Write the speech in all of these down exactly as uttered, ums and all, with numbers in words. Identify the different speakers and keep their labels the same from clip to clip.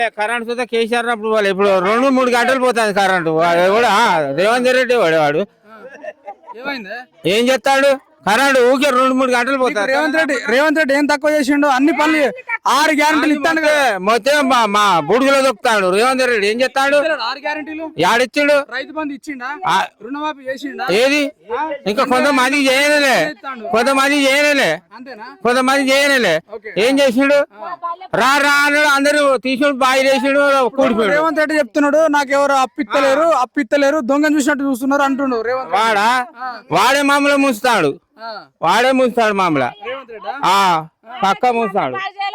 Speaker 1: Current చూస్తే కేసీఆర్ అప్పుడు వాళ్ళు ఇప్పుడు రెండు మూడు గంటలు పోతుంది కరెంటు కూడా రేవంత్ రెడ్డి వాడు వాడు ఏం చేస్తాడు కరెంట్ ఊకే రెండు మూడు గంటలు పోతాడు.
Speaker 2: రేవంత్ రెడ్డి రేవంత్ రెడ్డి ఏం తక్కువ చేసిండు? అన్ని పనులు ఆరు గ్యారెంటీలు ఇస్తాడు కదా,
Speaker 1: మొత్తం మా బుడుగులో దొక్కుతాడు రేవంత్ రెడ్డి. ఏం చేస్తాడు?
Speaker 2: ఆరు గ్యారెంటీలు
Speaker 1: యాడిచ్చిండు?
Speaker 2: రైతు బంధు ఇచ్చిండా? రుణమాఫీ చేసిండా?
Speaker 1: ఏది ఇంకా కొంతమందికి చేయనలే, కొంతమంది చేయనలే, కొంతమంది చేయనలే. ఏం చేసిండు? రా రా అన్నాడు, అందరూ తీసుకుని బాయి చేసిండు, కూడిపోయాడు.
Speaker 2: రేవంత్ రెడ్డి చెప్తున్నాడు నాకు ఎవరు అప్పిత్తలేరు అప్పిత్తలేరు దొంగ చూసినట్టు చూస్తున్నారు అంటుండు రేవంత్.
Speaker 1: వాడా వాడే మామూలు ముంచుతాడు, వాడే ముంచుతాడు మామూలు పక్క ముంచుతాడు.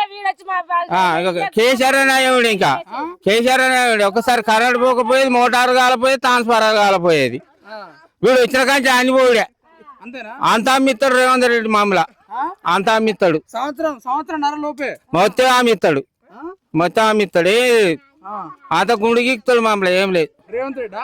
Speaker 1: కేసీఆర్ నాయుడు ఇంకా కేసీఆర్ నాయుడు ఒకసారి కరెంట్ పోకపోయేది, మోటార్ కాలపోయేది, ట్రాన్స్ఫార్మర్ కాలపోయేది. వీడు వచ్చిన కానీ అన్ని పోయాడే అంతా అమ్మిస్తాడు రేవంత్ రెడ్డి మామూలు అంతా అమ్మిస్తాడు.
Speaker 2: సంవత్సరం సంవత్సరం లోపే
Speaker 1: మొత్తం అమ్మిస్తాడు, మొత్తం అమ్మిస్తాడు. ఏ అంత గుండెకి ఎక్కుతాడు మామూలు, ఏం లేదు
Speaker 2: రేవంత్ రెడ్డి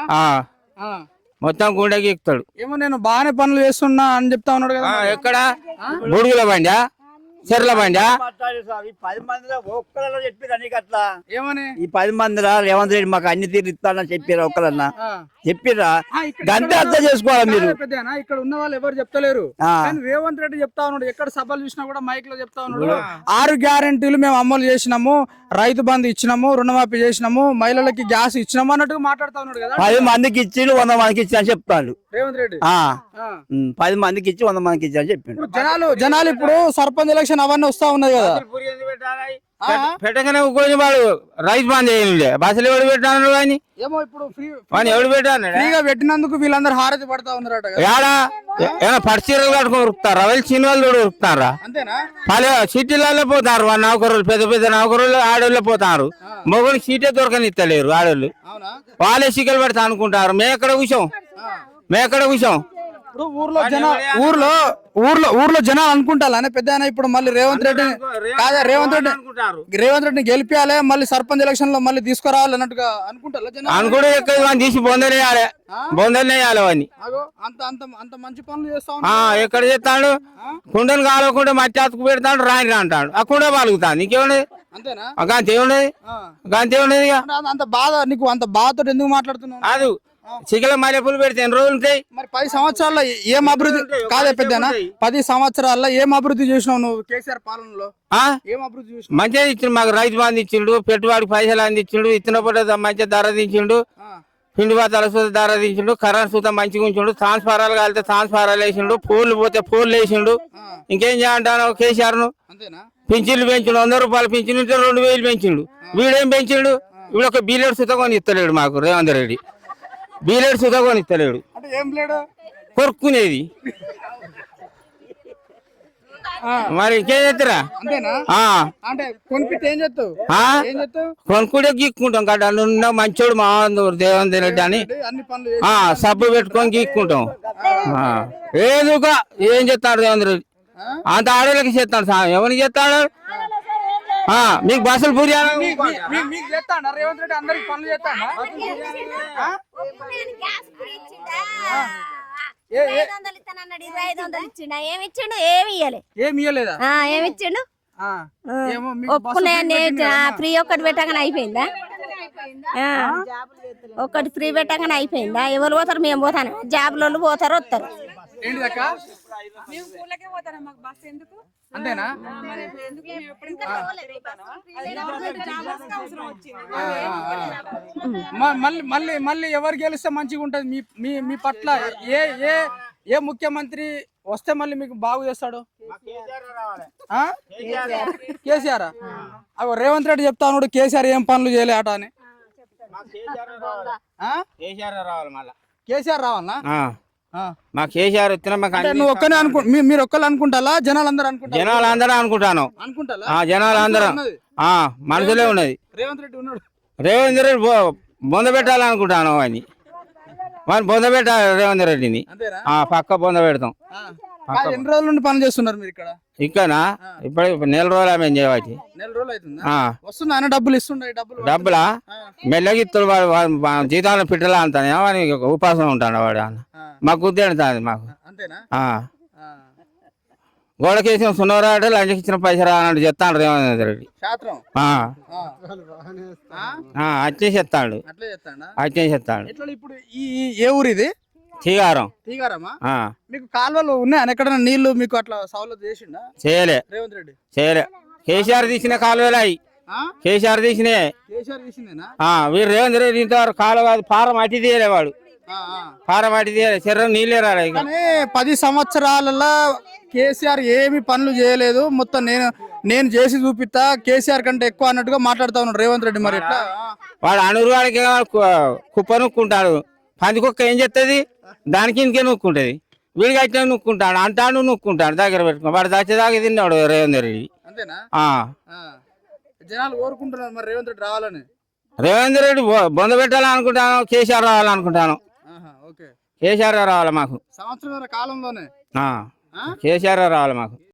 Speaker 1: మొత్తం గుండెకి ఎక్కుతాడు.
Speaker 2: ఏమో నేను బాగానే పనులు చేస్తున్నా అని చెప్తా ఉన్నాడు కదా.
Speaker 1: ఎక్కడ బుడుగుల బండా చెర్ల బండా
Speaker 3: పది మందిలో ఒక్కరన్నా చెప్పిరా నీకు అట్లా?
Speaker 2: ఏమని
Speaker 3: ఈ పది మందిరా రేవంత్ రెడ్డి మాకు అన్ని తీరు ఇస్తానని చెప్పిరా? ఒక్కరన్నా చెప్పిరా? గంట అర్థం చేసుకోవాలి మీరు.
Speaker 2: ఇక్కడ ఉన్న వాళ్ళు ఎవరు చెప్తలేరు, రేవంత్ రెడ్డి చెప్తా ఉన్నాడు. ఎక్కడ సభలు చూసినా కూడా మైక్ లో చెప్తా ఉన్నాడు ఆరు గ్యారెంటీలు మేము అమలు చేసినాము, రైతు బంధు ఇచ్చినాము, రుణమాఫీ చేసినాము, మహిళలకి గ్యాస్ ఇచ్చినాము అన్నట్టుగా మాట్లాడుతా ఉన్నాడు కదా.
Speaker 3: పది మందికి ఇచ్చి వంద మందికి ఇచ్చి అని చెప్తాడు
Speaker 2: రేవంత్ రెడ్డి.
Speaker 3: పది మందికి ఇచ్చి వంద మందికి ఇచ్చి అని చెప్పిండు.
Speaker 2: జనాలు జనాలు ఇప్పుడు సర్పంచ్ ఎలక్షన్ అవన్నీ వస్తా ఉన్నాయి కదా,
Speaker 1: పెట్టగానే వాడు రైతు బంద్ చేయండి బస్సులు ఎవడు పెట్టాను కానీ
Speaker 2: ఏమో ఇప్పుడు
Speaker 1: ఎవడు పెట్టాను
Speaker 2: ఫ్రీగా పెట్టినందుకు వీళ్ళందరూ హారతి పడతా ఉన్నారట.
Speaker 1: ఏడా ఏమైనా పడిచీరలు కట్టుకొని ఉరుకుతారా? వాళ్ళు సినిమాలు కూడా ఉరుకుతారా?
Speaker 2: అంతేనా?
Speaker 1: వాళ్ళ సిటీలలో పోతారు, వాళ్ళ నౌకరులు పెద్ద పెద్ద నౌకరులు ఆడోళ్ళు పోతారు. మొగలు సీటే దొరకనిస్తలేరు ఆడోళ్ళు, వాళ్ళే సిగ్గలు పెడతా అనుకుంటారు. మేము ఎక్కడ కూర్చోం, మేము ఎక్కడ కూర్చోం.
Speaker 2: ఇప్పుడు ఊర్లో జన ఊర్లో ఊర్లో ఊర్లో జనాలు అనుకుంటారు అనే పెద్ద ఇప్పుడు మళ్ళీ రేవంత్ రెడ్డి కాదా రేవంత్ రెడ్డి రేవంత్ రెడ్డిని గెలిపియాలి, మళ్ళీ సర్పంచ్ ఎలక్షన్ లో మళ్ళీ తీసుకురావాలి అన్నట్టుగా అనుకుంటారు జనాలు.
Speaker 1: అనుకుంటే ఎక్కడ తీసి బొందనేయాలి, బొందనేయాలి అవన్నీ.
Speaker 2: అంత అంత అంత మంచి పనులు చేస్తా
Speaker 1: ఎక్కడ చేస్తాడు? కుండను కాలకుండా మట్టి అతుకు పెడతాడు, రాని రా అంటాడు, ఆ కుండ పలుకుతాడు. నీకేమున్నది?
Speaker 2: అంతేనా?
Speaker 1: గంతే ఉన్నది, గంతే ఉన్నది.
Speaker 2: అంత బాధ నీకు, అంత బాధతో ఎందుకు మాట్లాడుతున్నావు?
Speaker 1: అది చికెన్ మల్లెపూలు పెడితే ఎన్ని రోజులు ఉంటాయి?
Speaker 2: మరి పది సంవత్సరాల్లో ఏం అభివృద్ధి కాదే పెద్దనా? పది సంవత్సరాల్లో ఏం అభివృద్ధి చేసినావు నువ్వు కేసీఆర్ పాలనలో? ఏం అభివృద్ధి చేసినావు?
Speaker 1: మంచిగా ఇచ్చిండు మాకు, రైతు బంధు ఇచ్చిండు, పెట్టుబడికి పైసలు అందించిండు, ఇచ్చిన పూట మంచిగా ధర దించిండు, పిండి బత్తాల సూత ధర దించిండు, కరెంట్ సూత మంచిగా ఉంచిండు, ట్రాన్స్ఫారాలు కాలితే ట్రాన్స్ఫారాలు వేసిండు, ఫోన్లు పోతే ఫోన్లు వేసిండు. ఇంకేం చేయంటాను కేసీఆర్ ను? పింఛన్లు పెంచిండు, వంద రూపాయలు పింఛన్ రెండు వేలు పెంచిండు. వీడేం పెంచిండు? వీడు ఒక బీలెడ్ సుత కొని ఇస్తలేడు మాకు రేవంత్ రెడ్డి, బీలెడ్ సుత కొని ఇస్తలేడు. కొరుక్కునేది మరి ఇంకేం చేస్తారా? కొనుక్కుంటే గీక్కుంటాం కదా, నువ్వు మంచోడు మా రేవంత్ రెడ్డి అని సబ్బు పెట్టుకొని గీక్కుంటాం. ఏదుగా ఏం చెప్తాడు రేవంత్ రెడ్డి? అంత ఆడోళ్ళకి చేస్తాడు, ఎవరికి చేస్తాడు? మీకు బస్సులు పూరి
Speaker 4: ఫ్రీ ఒక్కటి పెట్టగానే అయిపోయిందా? ఒక్కటి ఫ్రీ పెట్టగానే అయిపోయిందా? ఎవరు పోతారు? మేము పోతాను, జాబ్లో పోతారు వస్తారు.
Speaker 2: అంతేనా? మళ్ళీ మళ్ళీ మళ్ళీ ఎవరు గెలిస్తే మంచిగా ఉంటది మీ మీ మీ పట్ల? ఏ ఏ ఏ ముఖ్యమంత్రి వస్తే మళ్ళీ మీకు బాగు చేస్తాడు? కేసీఆర్. అగో రేవంత్ రెడ్డి చెప్తా ఉన్నాడు కేసీఆర్ ఏం పనులు చేయలే అట అని. కేసీఆర్ రావాలనా?
Speaker 1: మా కేసీఆర్ వచ్చినా
Speaker 2: నువ్వు ఒక్కనే అనుకు మీరు ఒక్కరు అనుకుంటా? జనాలు అందరూ అనుకుంటా?
Speaker 1: జనాలు అందరూ అనుకుంటాను, జనాలు అందరం మనసులే ఉన్నది.
Speaker 2: రేవంత్ రెడ్డి ఉన్నాడు,
Speaker 1: రేవంత్ రెడ్డి బొంద పెట్టాలనుకుంటాను అని. మరి బొంద పెట్టాలి రేవంత్ రెడ్డిని, పక్క బొంద పెడతాం.
Speaker 2: ఎన్ని రోజుల నుండి పని చేస్తున్నారు మీరు ఇక్కడ?
Speaker 1: ఇక్కడనా ఇప్పుడు నెల రోజులు మేము చేయవచ్చు.
Speaker 2: నెల రోజులు అవుతుందా? వస్తుందా? డబ్బులు ఇస్తుండే? డబ్బులు
Speaker 1: డబ్బులా మెల్లగా ఇస్తాడు వాడు, జీతాలను పిట్టలా అంటాను వాడి ఉపాసం ఉంటాడు వాడు. మాకు గుర్తెడుతుంది మాకు.
Speaker 2: అంతేనా?
Speaker 1: గోడకేసిన సున్నరాట లంచకి ఇచ్చిన పైసలు అన్నట్టు చెప్తాడు రేవంత్ రెడ్డి.
Speaker 2: శాస్త్రం
Speaker 1: ఆ,
Speaker 2: ఆ. ఆ?
Speaker 1: ఆ, అట్లే చెప్తాడు
Speaker 2: అట్లే చెప్తాడా
Speaker 1: అట్లే చెప్తాడు.
Speaker 2: ఎట్లా ఇప్పుడు ఈ ఈ- ఏ ఊరు ఇది
Speaker 1: తీగారం
Speaker 2: తీగారమ్మా
Speaker 1: ఆ,
Speaker 2: మీకు కాలువలు ఉన్నాయా ఎక్కడైనా నీళ్లు మీకు అట్లా సౌలత్ చేసిండా
Speaker 1: చేయలే
Speaker 2: రేవంత్ రెడ్డి
Speaker 1: చేయలే. కేసీఆర్ తీసిన కాలువలు అయి
Speaker 2: ఆ?
Speaker 1: కేసీఆర్ తీసినే.
Speaker 2: కేసీఆర్ చేసిందేనా
Speaker 1: ఆ, వీరు రేవంత్ రెడ్డి ఇంతవరకు కాలువ కాదు పారం అట్టి తీయలే వాడు.
Speaker 2: ఆ, ఆ.
Speaker 1: పారం అట్టి తీయలే చెర్ర నీళ్ళే రాలే ఇక.
Speaker 2: కానీ పది సంవత్సరాలలో కేసీఆర్ ఏమి పనులు చేయలేదు మొత్తం నేను నేను చేసి చూపిస్తా కేసీఆర్ కంటే ఎక్కువ అన్నట్టుగా మాట్లాడుతా ఉన్నాడు రేవంత్ రెడ్డి మరి ఎట్లా
Speaker 1: వాడు అనురువాడికి కుప్ప నూక్కుంటాడు. పందికొక్క ఏం చేస్తుంది దానికి ఇంకే నూక్కుంటది. వీడికి అయితే నూక్కుంటాడు అంటాడు నూక్కుంటాడు దగ్గర పెట్టుకో వాడు దచ్చేదాకా తిన్నాడు రేవంత్ రెడ్డి.
Speaker 2: అంతేనా
Speaker 1: ఆ,
Speaker 2: ఆ. జనాలు కోరుకుంటున్నారు మరి రేవంత్ రెడ్డి రావాలని
Speaker 1: రేవంత్ రెడ్డి బొ- బొంద పెట్టాలనుకుంటాను. కేసీఆర్ రావాలనుకుంటాను.
Speaker 2: ఆహా, ఓకే
Speaker 1: కేసీఆర్ రావాలి మాకు.
Speaker 2: సంవత్సరం కాలంలోనే
Speaker 1: ఆ,
Speaker 2: ఆ?
Speaker 1: కేసీఆర్ రావాలి మాకు.